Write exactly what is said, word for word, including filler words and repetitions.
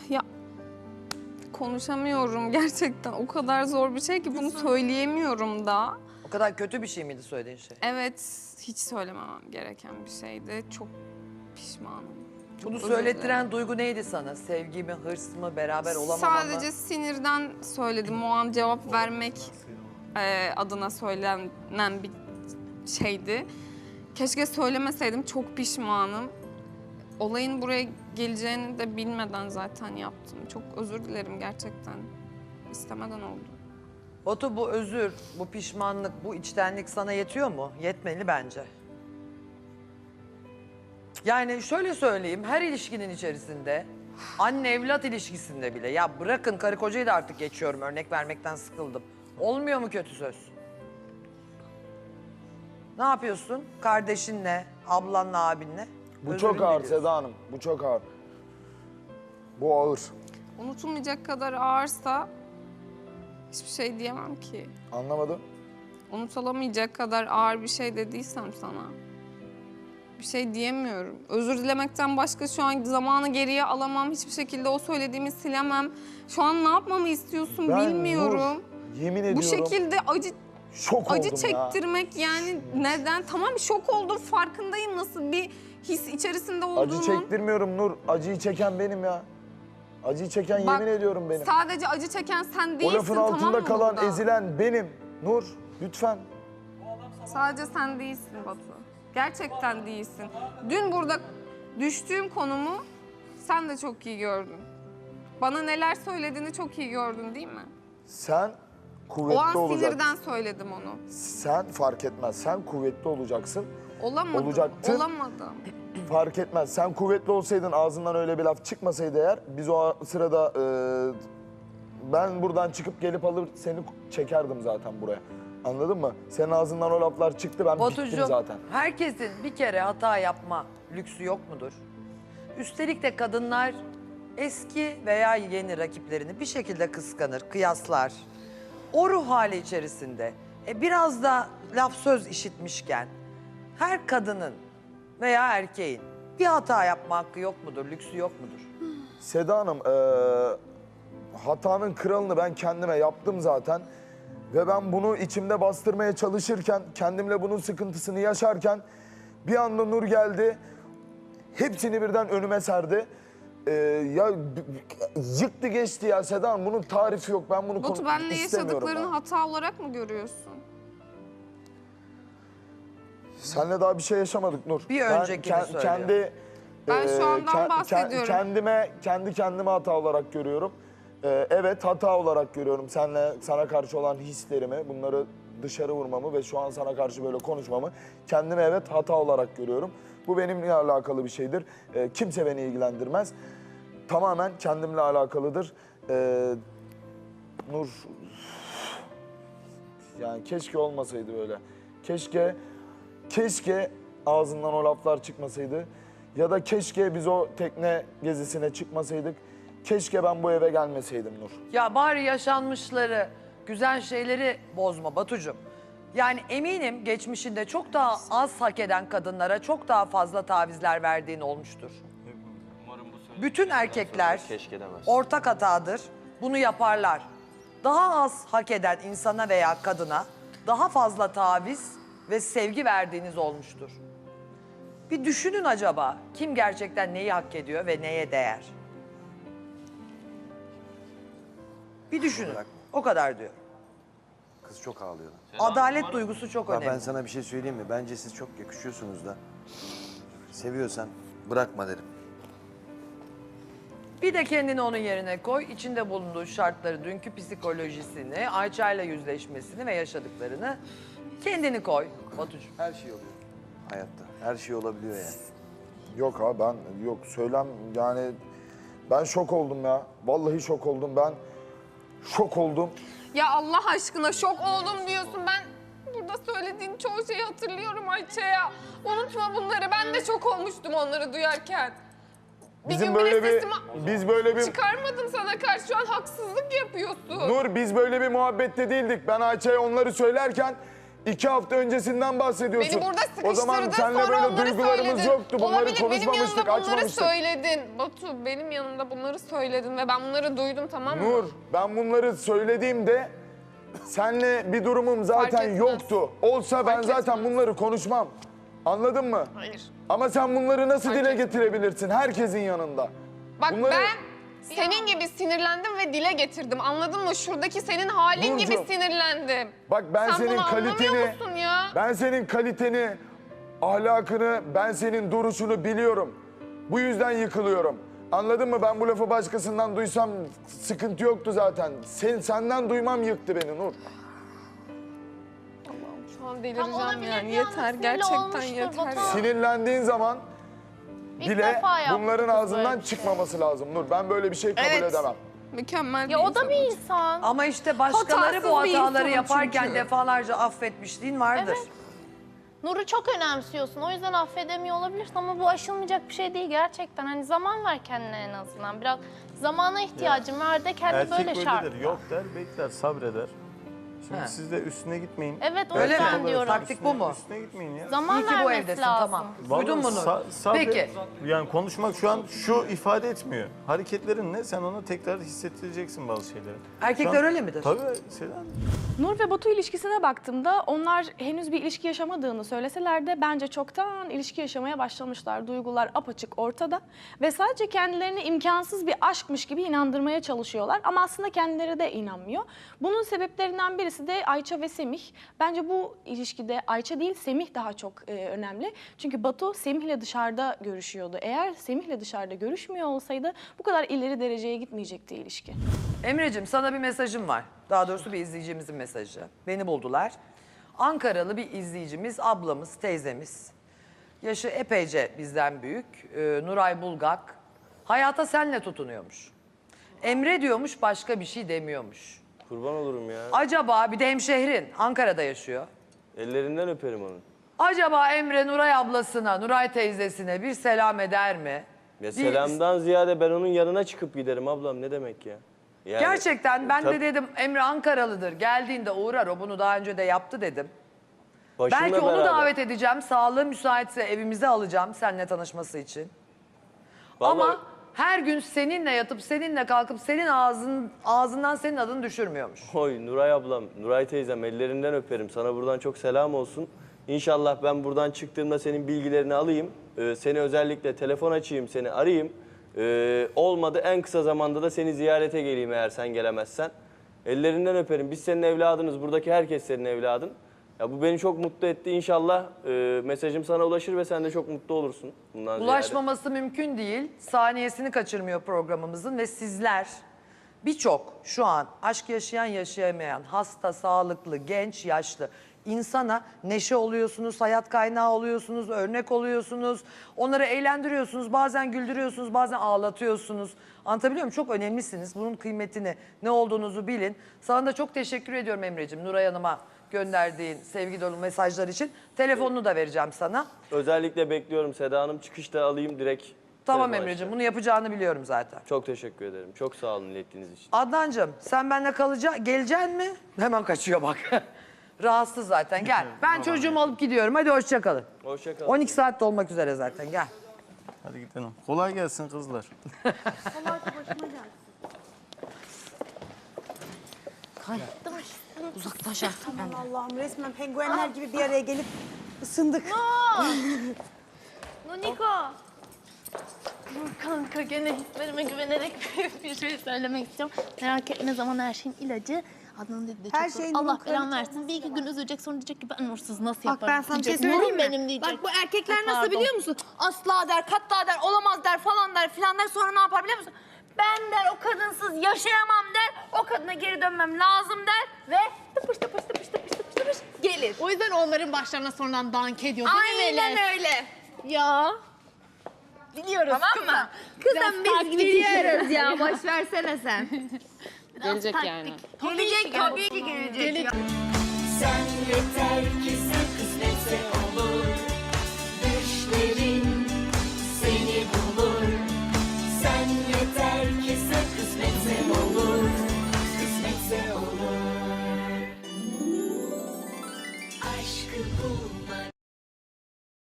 Ya konuşamıyorum gerçekten. O kadar zor bir şey ki bunu söyleyemiyorum da. O kadar kötü bir şey miydi söylediğin şey? Evet, hiç söylememem gereken bir şeydi. Çok pişmanım. Çok Bunu özür söylettiren dilerim. duygu neydi sana? Sevgi mi, hırs mı, beraber olamama Sadece mı? sinirden söyledim. O an cevap vermek e, adına söylenen bir şeydi. Keşke söylemeseydim. Çok pişmanım. Olayın buraya geleceğini de bilmeden zaten yaptım. Çok özür dilerim gerçekten. İstemeden oldu. Batu, bu özür, bu pişmanlık, bu içtenlik sana yetiyor mu? Yetmeli bence. Yani şöyle söyleyeyim, her ilişkinin içerisinde, anne evlat ilişkisinde bile, ya bırakın karı kocayı da artık geçiyorum, örnek vermekten sıkıldım. Olmuyor mu kötü söz? Ne yapıyorsun? Kardeşinle, ablanla, abinle? Bu Özürünü çok ağır diliyorsun. Seda Hanım, bu çok ağır. Bu ağır. Unutulmayacak kadar ağırsa hiçbir şey diyemem ki. Anlamadım. Unutulamayacak kadar ağır bir şey dediysem sana bir şey diyemiyorum. Özür dilemekten başka şu an zamanı geriye alamam. Hiçbir şekilde o söylediğimi silemem. Şu an ne yapmamı istiyorsun Ben bilmiyorum. Nur, yemin ediyorum. Bu şekilde acı şok acı oldum ya. çektirmek yani neden? Tamam şok oldum, farkındayım nasıl bir his içerisinde olduğunun. Acı çektirmiyorum Nur. Acıyı çeken benim ya. Acıyı çeken Bak, yemin ediyorum benim. Sadece acı çeken sen O değilsin, lafın tamam altında mı kalan, burada? ezilen benim. Nur, lütfen. Sadece sen değilsin Batu. Gerçekten değilsin. Dün burada düştüğüm konumu sen de çok iyi gördün. Bana neler söylediğini çok iyi gördün değil mi? Sen kuvvetli O an olacaksın. sinirden söyledim onu. Sen fark etmez. Sen kuvvetli olacaksın. Olamadım. Olacaktın. Olamadım. Fark etmez. Sen kuvvetli olsaydın, ağzından öyle bir laf çıkmasaydı eğer, biz o sırada e, ben buradan çıkıp gelip alır seni çekerdim zaten buraya. Anladın mı? Senin ağzından o laflar çıktı, ben bittim Batucuğum, zaten. herkesin bir kere hata yapma lüksü yok mudur? Üstelik de kadınlar eski veya yeni rakiplerini bir şekilde kıskanır, kıyaslar. O ruh hali içerisinde e, biraz da laf söz işitmişken her kadının veya erkeğin bir hata yapma hakkı yok mudur, lüksü yok mudur? Seda Hanım, e, hatanın kralını ben kendime yaptım zaten. Ve ben bunu içimde bastırmaya çalışırken, kendimle bunun sıkıntısını yaşarken bir anda Nur geldi. Hepsini birden önüme serdi. Ee, ya yıktı geçti ya Seda Hanım. Bunun tarifi yok. Ben bunu Batu konu- benle istemiyorum yaşadıklarını ben. hata olarak mı görüyorsun? Seninle daha bir şey yaşamadık Nur. Bir Ben öncekini ke- söylüyor. Kendi, Ben şu andan bahsediyorum. Kendime, kendi kendime hata olarak görüyorum. Ee, evet hata olarak görüyorum. Seninle, sana karşı olan hislerimi, bunları dışarı vurmamı ve şu an sana karşı böyle konuşmamı kendime evet hata olarak görüyorum. Bu benimle alakalı bir şeydir. Ee, kimse beni ilgilendirmez. Tamamen kendimle alakalıdır. Ee, Nur, yani keşke olmasaydı böyle. Keşke, keşke ağzından o laflar çıkmasaydı. Ya da keşke biz o tekne gezisine çıkmasaydık. Keşke ben bu eve gelmeseydim Nur. Ya bari yaşanmışları, güzel şeyleri bozma Batucuğum. Yani eminim geçmişinde çok daha az hak eden kadınlara çok daha fazla tavizler verdiğin olmuştur. Bütün erkekler ortak hatadır, bunu yaparlar. Daha az hak eden insana veya kadına daha fazla taviz ve sevgi verdiğiniz olmuştur. Bir düşünün acaba kim gerçekten neyi hak ediyor ve neye değer? Bir düşünün. O kadar diyor. Kız çok ağlıyor. Adalet duygusu çok Ya önemli. ben sana bir şey söyleyeyim mi? Bence siz çok yakışıyorsunuz da. Seviyorsan bırakma derim. Bir de kendini onun yerine koy. İçinde bulunduğu şartları, dünkü psikolojisini, Ayça'yla yüzleşmesini ve yaşadıklarını kendini koy Batucuğum. Her şey oluyor hayatta. Her şey olabiliyor yani. Yok abi ben, yok söylem yani ben şok oldum ya. Vallahi şok oldum ben. Şok oldum. Ya Allah aşkına şok oldum diyorsun. Ben burada söylediğin çoğu şeyi hatırlıyorum Ayça'ya. Unutma bunları. Ben de şok olmuştum onları duyarken. Bir Bizim gün böyle bile bir, sesimi biz böyle bir, çıkarmadım sana karşı. Şu an haksızlık yapıyorsun. Nur biz böyle bir muhabbette değildik. Ben Ayça'ya onları söylerken İki hafta öncesinden bahsediyorsun. Beni burada O zaman sıkıştırdın, seninle sonra böyle onları duygularımız söyledin. yoktu. Bunları Olabilir, benim konuşmamıştık, yanımda bunları açmamıştık. söyledin. Batu, benim yanımda bunları söyledin ve ben bunları duydum, tamam mı? Nur, ben bunları söylediğimde seninle bir durumum zaten etmez. yoktu. Olsa ben Fark zaten etmez. bunları konuşmam. Anladın mı? Hayır. Ama sen bunları nasıl Fark dile etmez. getirebilirsin herkesin yanında? Bak Bunları- ben senin gibi sinirlendim ve dile getirdim. Anladın mı? Şuradaki senin halin gibi Nurcuğum, sinirlendim. Bak ben Sen senin bunu anlamıyor kaliteni, musun ya? ben senin kaliteni, ahlakını, ben senin duruşunu biliyorum. Bu yüzden yıkılıyorum. Anladın mı? Ben bu lafı başkasından duysam sıkıntı yoktu zaten. Sen, senden duymam yıktı beni Nur. Şu an Tam delireceğim olabilir yani. bir anda Yeter, sinirli gerçekten olmuştur yeter. Batu. ya. Sinirlendiğin zaman İlk bile defa yaptı bunların kız ağzından böyle bir şey. çıkmaması lazım Nur. Ben böyle bir şey kabul Evet. edemem. Mükemmel Ya bir o da bir insanım. insan. Ama işte başkaları Hatasız bu bir hataları insanım yaparken çünkü. defalarca affetmişliğin vardır. Evet. Nur'u çok önemsiyorsun. O yüzden affedemiyor olabilirsin ama bu aşılmayacak bir şey değil gerçekten. Hani zaman ver kendine en azından. Biraz zamana ihtiyacın var de kendi Erkek böyle şart. böyledir. Yok der, bekler, sabreder. Şimdi He. siz de üstüne gitmeyin. Evet, o Öyle yüzden mi? diyorum. Taktik bu mu? Üstüne gitmeyin ya. Zaman İyi ki bu vermesi evdesin, lazım. tamam. Vallahi Duydun mu Nur? sa- sabret. Peki. Yani konuşmak şu an şu ifade etmiyor. Hareketlerin ne? Sen onu tekrar hissettireceksin bazı şeyleri. Erkekler Şu an- öyle midir? Tabii Selen. Nur ve Batu ilişkisine baktığımda onlar henüz bir ilişki yaşamadığını söyleseler de bence çoktan ilişki yaşamaya başlamışlar. Duygular apaçık ortada ve sadece kendilerini imkansız bir aşkmış gibi inandırmaya çalışıyorlar ama aslında kendileri de inanmıyor. Bunun sebeplerinden birisi de Ayça ve Semih. Bence bu ilişkide Ayça değil Semih daha çok e, önemli. Çünkü Batu Semih'le dışarıda görüşüyordu. Eğer Semih'le dışarıda görüşmüyor olsaydı bu kadar ileri dereceye gitmeyecekti ilişki. Emre'cim sana bir mesajım var. Daha doğrusu bir izleyicimizin mesajı. Beni buldular. Ankaralı bir izleyicimiz, ablamız, teyzemiz. Yaşı epeyce bizden büyük. Ee, Nuray Bulgak. Hayata senle tutunuyormuş. Emre diyormuş, başka bir şey demiyormuş. Kurban olurum ya. Acaba bir de hemşehrin Ankara'da yaşıyor. Ellerinden öperim onu. Acaba Emre Nuray ablasına, Nuray teyzesine bir selam eder mi? Ya Bir- selamdan ziyade ben onun yanına çıkıp giderim ablam, ne demek ya? Yani, Gerçekten ben de Tabii. dedim Emre Ankaralıdır. Geldiğinde uğrar, o bunu daha önce de yaptı dedim. başımla Belki onu beraber. davet edeceğim. Sağlığı müsaitse evimize alacağım seninle tanışması için. Vallahi Ama her gün seninle yatıp seninle kalkıp senin ağzın ağzından senin adını düşürmüyormuş. Oy Nuray ablam, Nuray teyzem ellerinden öperim. Sana buradan çok selam olsun. İnşallah ben buradan çıktığımda senin bilgilerini alayım. Ee, seni özellikle telefon açayım, seni arayayım. Ee, olmadı en kısa zamanda da seni ziyarete geleyim eğer sen gelemezsen. Ellerinden öperim. Biz senin evladınız. Buradaki herkes senin evladın. Ya bu beni çok mutlu etti. İnşallah e, mesajım sana ulaşır ve sen de çok mutlu olursun bundan ziyade. Ulaşmaması mümkün değil. Saniyesini kaçırmıyor programımızın ve sizler birçok şu an aşk yaşayan yaşayamayan, hasta, sağlıklı, genç, yaşlı insana neşe oluyorsunuz, hayat kaynağı oluyorsunuz, örnek oluyorsunuz. Onları eğlendiriyorsunuz, bazen güldürüyorsunuz, bazen ağlatıyorsunuz. Anlatabiliyor muyum? Çok önemlisiniz. Bunun kıymetini, ne olduğunuzu bilin. Sana da çok teşekkür ediyorum Emre'ciğim. Nuray Hanım'a gönderdiğin sevgi dolu mesajlar için. Telefonunu da vereceğim sana. Özellikle bekliyorum Seda Hanım. Çıkışta alayım direkt. Tamam telefon Emre'ciğim, açacağım. bunu yapacağını biliyorum zaten. Çok teşekkür ederim. Çok sağ olun ilettiğiniz için. Adnancığım sen benimle kalacaksın, geleceksin mi? Hemen kaçıyor bak. Rahatsız zaten, gel. Ben çocuğumu alıp gidiyorum, hadi hoşça kalın. Hoşça kalın. on iki saat de olmak üzere zaten, gel. Hadi gidelim. Kolay gelsin kızlar. Uzaklaş artık. Aman Allah'ım resmen penguenler gibi bir araya gelip ısındık. Niko. Kanka gene hislerime güvenerek bir şey söylemek istiyorum. Merak etme, ne zaman her şeyin ilacı. Adnan dedi de çok Her zor. şeyin Allah Nur'un belanı kraliçe versin. Bir iki gün üzülecek, sonra diyecek ki ben Nursuz nasıl Bak yaparım? ben sana bir şey diyecek. söyleyeyim Nurum mi? benim diyecek. Bak bu erkekler Ay, nasıl pardon. biliyor musun? Asla der, katta der, olamaz der, falan der, filan der. Sonra ne yapar biliyor musun? Ben der o kadınsız yaşayamam der. O kadına geri dönmem lazım der. Ve tıpış tıpış tıpış tıpış tıpış tıpış gelir. O yüzden onların başlarına sonradan dank ediyor değil mi Aynen Melek? öyle. Ya. Biliyoruz Tamam mı? Kızım biz gidiyoruz ya. Boş versene sen. Gelecek yani. Gelecek tabii ki gelecek. Gelecek. Sen yeter ki sen